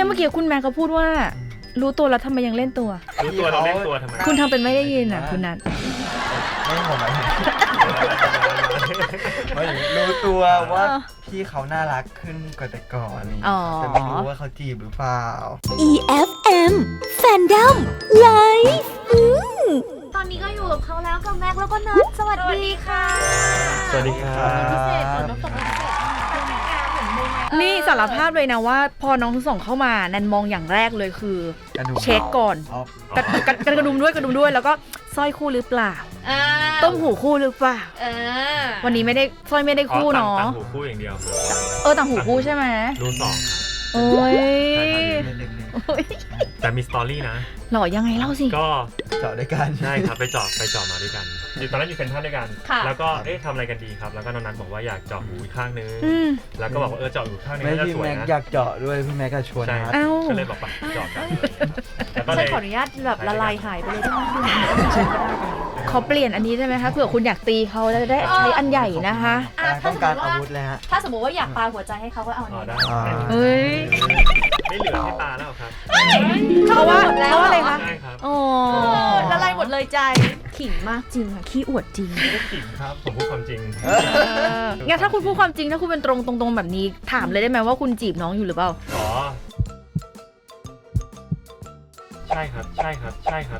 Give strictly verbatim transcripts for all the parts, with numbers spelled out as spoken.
เนี่ยเมื่อกี้คุณแม่เขาพูดว่ารู้ตัวแล้วทำไมยังเล่นตัวรู้ตัวเราเล่นตัวทำไมคุณทำเป็นไม่ได้ยินอ่ะคุณนัทไม่ผมหมายถึงหมายถึงรู้ตัวว่าพี่เขาน่ารักขึ้นกว่าแต่ก่อนนี่แต่ไม่รู้ว่าเขาจีบหรือเปล่าอี เอฟ เอ็ม Fandom Live ตอนนี้ก็อยู่กับเขาแล้วกับแม็กแล้วก็นัทสวัสดีค่ะสวัสดีครับพิเศษเหมือนน้องตกพิเศษนี่สารภาพเลยนะว่าพอน้องทั้งสองเข้ามาแนนมองอย่างแรกเลยคือเช็คก่อนกระกระกระดุมด้วยกระดุมด้วยแล้วก็สร้อยคู่หรือเปล่าต้มหูคู่หรือเปล่าวันนี้ไม่ได้สร้อยไม่ได้คู่เนาะต่างหูคู่อย่างเดียวเออต่างหูคู่ใช่ไหมรูสองโอ้ยแต่มีสตอรี่นะหล่อยังไงเล่าสิก็เจาะด้วยกันใช่ครับไปเจาะไปเจาะมาด้วยกันอยู่ตอนนั้นอยู่เซ็นทรัลด้วยกันแล้วก็เอ๊ะทำอะไรกันดีครับแล้วก็น้องนัทบอกว่าอยากเจาะหูอีกข้างนึงแล้วก็บอกว่าเออเจาะหูข้างนึงน่าจะสวยนะพี่แม็กอยากเจาะด้วยพี่แม็กก็ชวนนะก็เลยบอกไปเจาะกันแล้วก็เลยขออนุญาตแบบละลายหายไปเลยได้ไหมเขาเปลี่ยนอันนี้ได้ไหมคะเผื่อคุณอยากตีเขาจะได้ใช้อันใหญ่นะคะต้องการอาวุธเลยฮะถ้าสมมติว่าอยากปาหัวใจให้เขาก็เอาอันนี้เฮ้ยไม่เหลือให้ปาแล้วครับเพราะว่าเพราะอะไรคะใช่ครับอ๋อละลายหมดเลยใจขิงมากจริงค่ะขี้อวดจริงไม่ได้ขิงครับผมพูดความจริงงั้นถ้าคุณพูดความจริงถ้าคุณเป็นตรงตรงๆแบบนี้ถามเลยได้ไหมว่าคุณจีบน้องอยู่หรือเปล่าอ๋อใช่ครับใช่ครับใช่ครับ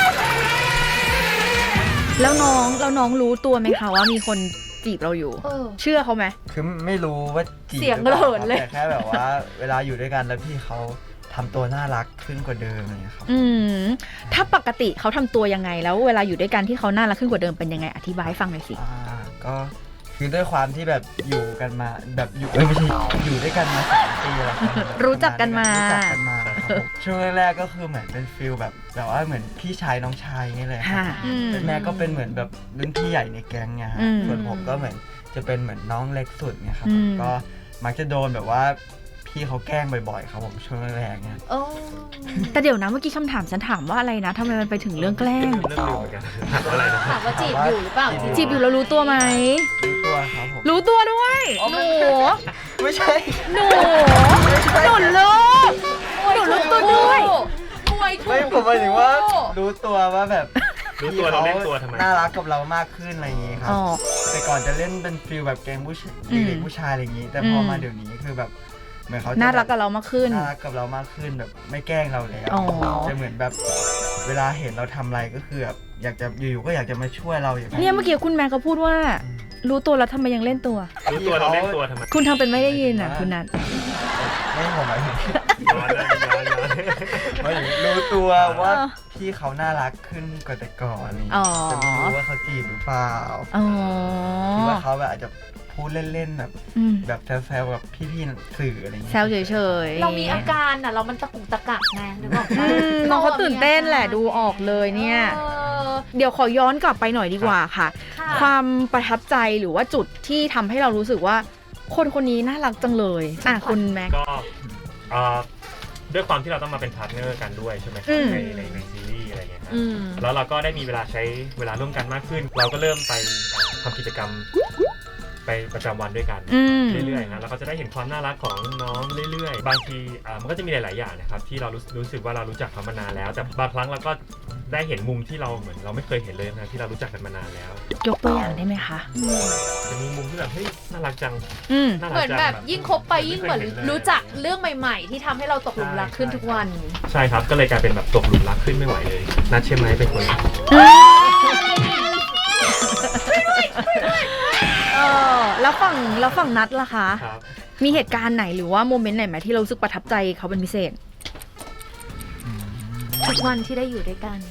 แล้วน้องแล้วน้องรู้ตัวไหมคะว่ามีคนจีบเราอยู่เชื่อเขาไหมคือไม่รู้ว่าจีบเสียงกระเหินเลยแต่แค่แบบว่าเวลาอยู่ด้วยกันแล้วพี่เขาทำตัวน่ารักขึ้นกว่าเดิมอะไรเงี้ยครับอืมถ้าปกติเขาทำตัวยังไงแล้วเวลาอยู่ด้วยกันที่เขาน่ารักขึ้นกว่าเดิมเป็นยังไงอธิบายให้ฟังหน่อยสิอ่าก็คือด้วยความที่แบบอยู่กันมาแบบอยู่ไม่ใช่อยู่ด้วยกันมาสามปีแล้วรู้จักกันมารู้จักกันมาครับช่วงแรกๆก็คือเหมือนเป็นฟิลแบบแบบว่าเหมือนพี่ชายน้องชายนี่เลยครับแต่แม่ก็เป็นเหมือนแบบรุ่นพี่ใหญ่ในแก๊งไงฮะส่วนผมก็เหมือนจะเป็นเหมือนน้องเล็กสุดไงครับก็มักจะโดนแบบว่าพี่เขาแกล้งบ่อยๆครับผมช่วงแรกๆเนี่ยแต่เดี๋ยวนะเมื่อกี้คำถามฉันถามว่าอะไรนะทำไมมันไปถึงเรื่องแกล้งเรื่องลืมเหมือนกันถามว่าอะไรนะถามว่าจีบอยู่หรือเปล่าจีบอยู่แล้วรู้ตัวไหมรู้ตัวครับผมรู้ตัวด้วยหนูไม่ใช่หนูหนูรู้หนูรู้ตัวด้วยไม่ผมหมายถึงว่ารู้ตัวว่าแบบรู้ตัวเราเล่นตัวทำไมน่ารักกับเรามากขึ้นอะไรอย่างงี้ครับแต่ก่อนจะเล่นเป็นฟิลแบบแก๊งผู้ชายเด็กผู้ชายอะไรอย่างงี้แต่พอมาเดี๋ยวนี้คือแบบเหมือนเขาน่ารักกับเรามากขึ้นน่ารักกับเรามากขึ้นแบบไม่แกล้งเราแล้วจะเหมือนแบบเวลาเห็นเราทำอะไรก็คือแบบอยากจะอยู่ๆก็อยากจะมาช่วยเราอย่างเนี่ยเมื่อกี้คุณแม่เขาพูดว่ารู้ตัวแล้วทำไมยังเล่นตัวรู้ตัวเราเล่นตัวทำไมคุณทำเป็นไม่ได้ยินอ่ะคุณนัทไม่ผมหมายถึงหมายถึงรู้ตัวว่าพี่เขาน่ารักขึ้นกว่าแต่ก่อนนี่แต่ไม่รู้ว่าเขาจีบหรือเปล่าคิดว่าเขาแบบอาจจะพูดเล่นๆแบบแบบแซวๆกับพี่ๆสื่ออะไรอย่างเงี้ยแซวเฉยๆเรามีอาการอ่ะเรามันตะกุกตะกักไงนึกออกไหมน้องเขาตื่นเต้นแหละดูออกเลยเนี่ยเดี๋ยวขอย้อนกลับไปหน่อยดีกว่าค่ะความประทับใจหรือว่าจุดที่ทำให้เรารู้สึกว่าคนคนนี้น่ารักจังเลยอ่ะคุณแม็กก็ด้วยความที่เราต้องมาเป็นพาร์ทเนอร์กันด้วยใช่ไหมในในในซีรีส์อะไรเงี้ยครับแล้วเราก็ได้มีเวลาใช้เวลาร่วมกันมากขึ้นเราก็เริ่มไปทำกิจกรรมไปประจำวันด้วยกันเรื่อยๆนะแล้วก็จะได้เห็นความน่ารักของน้องเรื่อยๆบางทีมันก็จะมีหลายๆอย่างนะครับที่เรารู้รู้สึกว่าเรารู้จักเขามานานแล้วแต่บางครั้งเราก็ได้เห็นมุมที่เราเหมือนเราไม่เคยเห็นเลยนะที่เรารู้จักกันมานานแล้วยกตัวอย่างได้ไหมคะจะมีมุมที่แบบเฮ้ยน่ารักจังเหมือนแบบยิ่งคบไปยิ่งเหมือนรู้จักเรื่องใหม่ๆที่ทำให้เราตกหลุมรักขึ้นทุกวันใช่ครับก็เลยกลายเป็นแบบตกหลุมรักขึ้นไม่ไหวเลยนัทใช่ไหมเป็นคนเออแล้วฝั่งแล้วฝั่งนัทล่ะคะมีเหตุการณ์ไหนหรือว่าโมเมนต์ไหนไหมที่เรารู้สึกประทับใจเขาเป็นพิเศษทุกวันที่ได้อยู่ด้วยกัน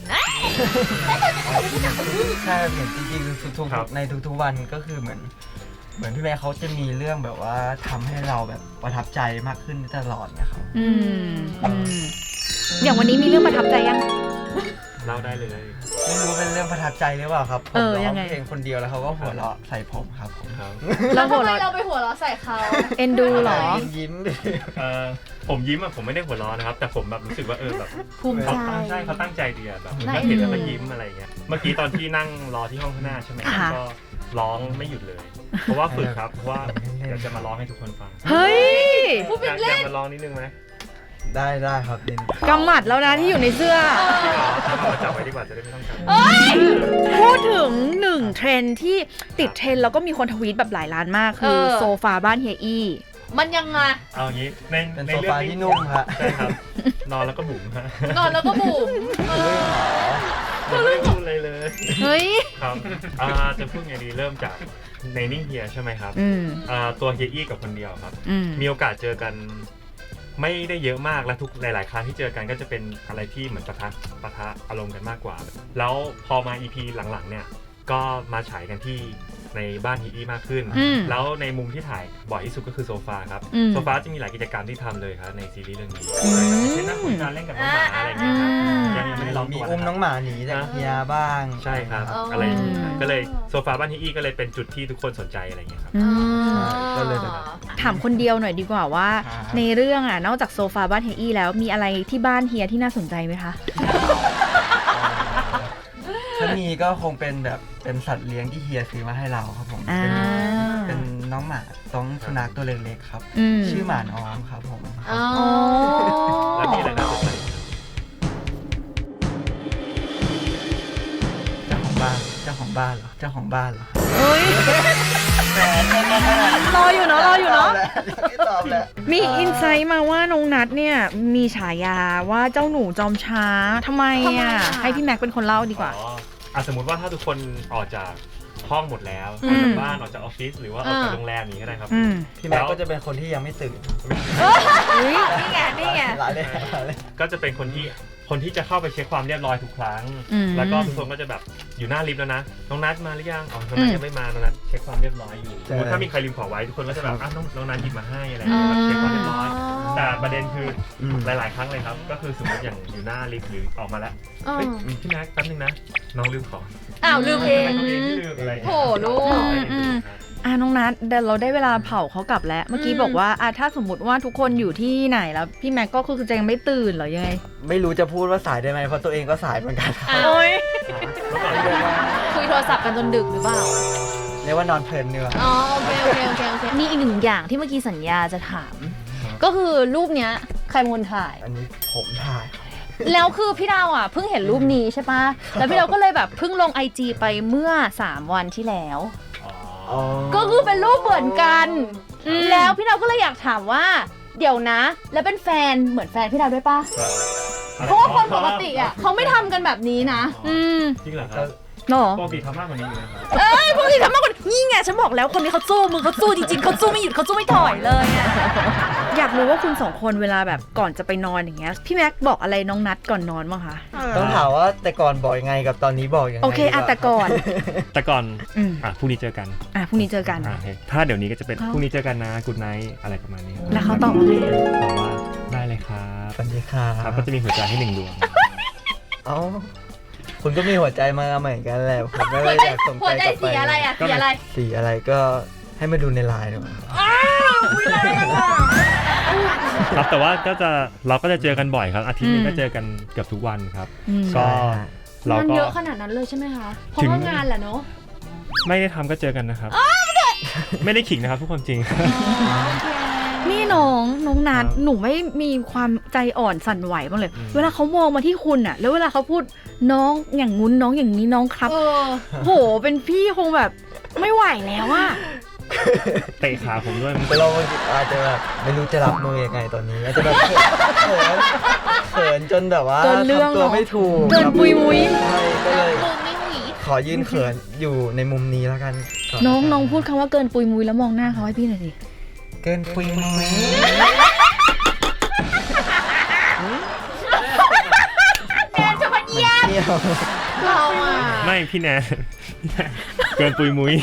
ใช่เหมือนจริงๆทุกๆในทุกๆวันก็คือเหมือนเหมือนพี่แม่เขาจะมีเรื่องแบบว่าทำให้เราแบบประทับใจมากขึ้นตลอดนะครับอืมอย่างวันนี้มีเรื่องประทับใจยังเล่าได้เลยไม่รู้เป็นเรื่องประทับใจหรือเปล่าครับผมร้องเพลงคนเดียวแล้วเขาก็หัวเราะใส่ผมครับผมแล้วทำไมเราไปหัวเราะใส่เขาเอ็นดูหรอยิ้มดิผมยิ้มอะผมไม่ได้หัวเราะนะครับแต่ผมแบบรู้สึกว่าเออแบบภูมิใจใช่เขาตั้งใจดีอะแบบก็เห็นแล้วก็ยิ้มอะไรเงี้ยเมื่อกี้ตอนที่นั่งรอที่ห้องข้างหน้าใช่ไหมก็ร้องไม่หยุดเลยเพราะว่าฝึกครับเพราะว่าเดี๋ยวจะมาร้องให้ทุกคนฟังเฮ้ยพูดเป็นเล่นอยากมาร้องนิดนึงไหมได้ได้ครับนินกำหมัดแล้วนะที่อยู่ในเสื้อเอาจับไว้ดีกว่าจะได้ไม่ต้องจับพูดถึงหนึ่งเทรนด์ที่ติดเทรนด์แล้วก็มีคนทวีตแบบหลายล้านมากคือโซฟาบ้านเฮียอี้มันยังไงเอางี้ในเป็นในโซเรื่องฟานี้ที่นุ่มฮะใช่ครับ นอนแล้วก็บุ๋มฮะนอนแล้วก็บุ๋มเออยังไม่ได้พูดอะไรเลยเฮ้ยครับอ่าจะพูดไงดีเริ่มจากในนิ่งเฮียใช่ไหมครับอืมอ่าตัวเฮียอี้กับคนเดียวครับอืมมีโอกาสเจอกันไม่ได้เยอะมากและทุกหลาย ๆ ครั้งที่เจอกันก็จะเป็นอะไรที่เหมือนปะทะปะทะอารมณ์กันมากกว่า แล้วพอมา อี พี หลัง ๆ เนี่ยก็มาฉายกันที่ในบ้านฮีอี้มากขึ้นอืมแล้วในมุมที่ถ่ายบ่อยที่สุดก็คือโซฟาครับอืมโซฟาจะมีหลายกิจกรรมที่ทำเลยครับในซีรีส์เรื่องนี้อืมเช่นนั่งคุยกันเล่นกับน้องหมาอะไรอย่างเงี้ยครับอ่ายัยังยังไม่ได้ลองมีตัวอุ้มนะคน้รัอบ งหมาหนีจากเฮียบ้างใช่ครับอ๋อออะไรอย่างเงี้ยก็เลยโซฟาบ้านฮีอี้ก็เลยเป็นจุดที่ทุกคนสนใจอะไรอย่างเงี้ยครับอืมก็เลยแบบถามคนเดียวหน่อยดีกว่าว่าครับในเรื่องอ่ะนอกจากโซฟาบ้านเฮียอี้แล้วมีอะไรที่บ้านเฮียที่น่าสนใจไหมคะถ้ามีก็คงเป็นแบบเป็นสัตว์เลี้ยงที่เฮียซื้อมาให้เราครับผมอ่าเป็นเป็นน้องหมาต้องสุนัขตัวเล็กๆครับอืมชื่อหมาน้องครับผมอ๋อแล้วมีอะไรน่าสนใจเจ้าของบ้านเจ้าของบ้านเหรอเจ้าของบ้านเหรอเฮ้ยแหมแค่นั้นรออยู่เนาะรออยู่เนาะไม่ตอบแล้วมีอินไซต์มาว่าน้องนัทเนี่ยมีฉายาว่าเจ้าหนูจอมช้าทำไมทำไมอ่ะอ่ะให้พี่แม็กเป็นคนเล่าดีกว่าอ๋ออ่ะสมมติว่าถ้าทุกคนออกจากห้องหมดแล้วอืออกมจากบ้านออกจากออฟฟิศหรือว่าออกจากอ่าโรงแรมนี้ก็ได้ครับอืมพี่แม็กก็จะเป็นคนที่ยังไม่ตื่นอุ๊ยนี่ไงนี่ไงหลายเลยหลายเลยก็จะเป็นคนที่คนที่จะเข้าไปเช็คความเรียบร้อยทุกครั้งอืมแล้วก็ทุกคนก็จะแบบอยู่หน้าลิฟต์แล้วนะ น้องนัทมาหรือยัง อ๋อ น้องนัทยังไม่มา น้องนัทเช็คความเรียบร้อยอยู่สมมติถ้ามีใครลืมของไว้ทุกคนก็จะแบบอ่ะน้องน้องนัทหยิบมาให้อะไรอย่างเงี้ยแบบเช็คความเรียบร้อย แต่ประเด็นคืออมหลาย ๆ ครั้งเลยครับ ก็คือสมมติอย่างอยู่หน้าลิฟต์หรือออกมาแล้วอ๋อเฮ้ยพี่แม็กแป๊บนึงนะ น้องลืมของอ้าวลืมเองทำไมตัวเองที่ลืมอะไรอย่างโถเงี้ยลูกอืมอืม อ่ะน้องนัทเดี๋ยวเราได้เวลาเผาเขากลับแล้ว เมื่อกี้อืมบอกว่าอ่ะถ้าสมมติว่าทุกคนอยู่ที่ไหนแล้วพี่แม็กก็คือจะยังไม่ตื่นเหรอยังไงไม่รู้จะพูดว่าสายได้ไหมเพราะตัวเองก็สายเหมือนกันครับอ้าวโอ้ยแล้วก่อนเรียกว่าคุยโทรศัพท์กันจนดึกหรือเปล่าเรียกว่านอนเพลินเนื้ออ๋อโอเคโอเคโอเคโอเคมีอีกหนึ่งอย่างที่เมื่อกี้สัญญาจะถาม ก็คือรูปเนี้ยใครเป็นคนถ่ายอันนี้ผมถ่ายครับแล้วคือพี่ดาวอ่ะเพิ่งเห็นรูปนี้ใช่ปะแล้วพี่ดาวก็เลยแบบเพิ่งลงไอจีไปเมื่อสามวันที่แล้วอ๋อก็คือเป็นรูปเหมือนกันอืมแล้วพี่ดาวก็เลยอยากถามว่า เดี๋ยวนะ แล้วเป็นแฟนเหมือนแฟนพี่ดาวด้วยปะเพราะว่าคนปกติอ่ะเขาไม่ทำกันแบบนี้นะอืมจริงเหรอครับหรอปกติทำมากกว่านี้อยู่นะครับเอ้ยปกติทำมากกว่านี้นี่ไงฉันบอกแล้วคนนี้เขาสู้มือเขาสู้จริงๆเขาสู้ไม่หยุดเขาสู้ไม่ถอยเลยอะอยากรู้ว่าคุณสองคนเวลาแบบก่อนจะไปนอนอย่างเงี้ยพี่แม็กบอกอะไรน้องนัทก่อนนอนบ้างคะต้องถามว่าแต่ก่อนบอกยังไงกับตอนนี้บอกยังไงโอเคอ่ะแต่ก่อนแต่ก่อนอืมอ่ะพรุ่งนี้เจอกันอ่ะพรุ่งนี้เจอกันอ่ะโอเคถ้าเดี๋ยวนี้ก็จะเป็นเอ้าพรุ่งนี้เจอกันนะกูดไนท์อะไรประมาณนี้แล้วเขาตอบว่าไงบอกว่าได้เลยครับสวัสดีค่ะครับก็จะมีหัวใจให้หนึ่งดวงเอ้าคุณก็มีหัวใจมาเหมือนกันแหละผมก็หัเลวย ใจอยากส่งหัวใจใจกลับไปสีอะไรอ่ะสีอะไรสีอะไรก็ให้มาดูในไลน์ดีกว่าครับแต่ว่าก็จะเราก็จะเจอกันบ่อยครับอาทิตย์หนึงอืมก็เจอกันเกือบทุกวันครับอืมก็เรางานก็เยอะขนาดนั้นเลยใช่ไหมคะ เพราะถึงว่างานแหละเนาะไม่ได้ทำก็เจอกันนะครับ ไม่ได้ขิงนะครับทุกคนจริงนี่น้องน้องนัทครับหนูไม่มีความใจอ่อนสั่นไหวบ้างเลยอืมเวลาเขามองมาที่คุณอะแล้วเวลาเขาพูดน้องอย่างงุ้นน้องอย่างนี้น้องครับเออโหเป็นพี่คงแบบไม่ไหวแล้วอะเตะขาผมด้วยแต่เราอาจจะแบบไม่รู้จะรับมือยังไงตอนนี้อาจจะแบบเขินเขินจนแบบว่าเกินเรื่องทำตัวไม่ถูกเกินปุยมุ้ยใช่ก็เลยมึงไม่หวีขอยืนเขินอยู่ในมุมนี้แล้วกันก่น้องะครับน้องพูดคำว่าเกินปุยมุ้ยแล้วมองหน้าเขาให้พี่หน่อยสิเกินปุยมุ้ยแนนจะมาเยี่ยมเที่ยวเราอ่ะไม่พี่แนน เกินปุยมุ้ย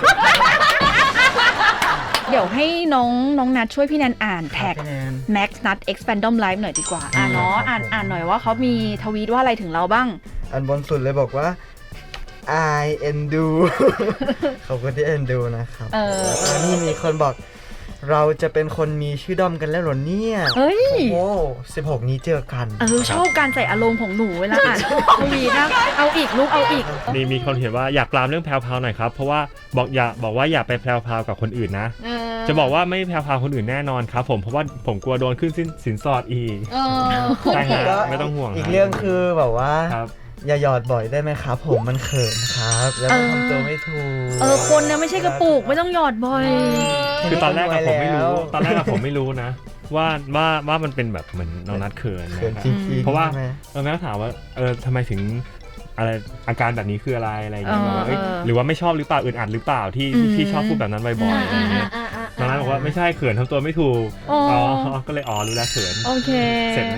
เดี๋ยวให้น้องน้องนัทช่วยพี่แนนอ่านแท็กคะแนน Max Nut X Fandom Live หน่อยดีกว่า อ่ะเนาะอ่านอ่านหน่อยว่าเขามีทวีตว่าอะไรถึงเราบ้างอันบนสุดเลยบอกว่า I end do ขอบคุณที่ end do นะครับเออแล้วนี่มีคนบอกเราจะเป็นคนมีชื่อด้อมกันแล้วเหรอเนี่ยเฮ้ยโอ้สิบหกนี้เจอกันเออชอบการใส่อารมณ์ของหนูเวลาอ่านทวีนะเอาอีกลูกเอาอีกมีมีคนเขียนว่าอยากปรามเรื่องแพรวๆหน่อยครับเพราะว่าบอกอย่าบอกว่าอย่าไปแพรวๆกับคนอื่นนะ จะบอกว่าไม่แพรวๆคนอื่นแน่นอนครับผมเพราะว่าผมกลัวโดนขึ้นสินสินสอดอีกเออใช่ฮะก็ไม่ต้องห่วงอีกเรื่องคือแบบว่าครับอย่าหยอดบ่อยได้ไหมครับ ผมมันเขินครับ แล้วมันทำตัวไม่ถูกเออคนเนี่ยไม่ใช่กระปุกไม่ต้องหยอดบ่อยคือตอนแรกอะผมไม่รู้แล้วตอนแรกอะผมไม่รู้นะ ว่าว่าว่ามันเป็นแบบเหมือนน้องนัดเขินเขินนะจริงๆเพราะว่าใช่ไหมเออแม่ก็ถามว่าเออทำไมถึงอะไรอาการแบบนี้คืออะไรอะไรอย่างเงี้ยเออบอกว่าเอ้ยเออหรือว่าไม่ชอบหรือเปล่าอึดอัดหรือเปล่าที่อืมที่ชอบพูดแบบนั้นบ่อยๆอะไรเงี้ยน้องนัดบอกว่าไม่ใช่เขินทำตัวไม่ถูกอ๋ออ๋อ๋อก็เลยอ๋อรู้แล้วเขินโอเคเสร็จแน่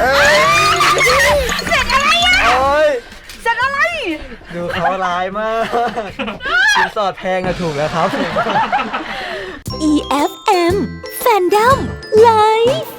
โอ้ยเสร็จอะไรดูเขาร้ายมากสินสอดแพงอะถูกแล้วครับอี เอฟ เอ็ม Fandom Live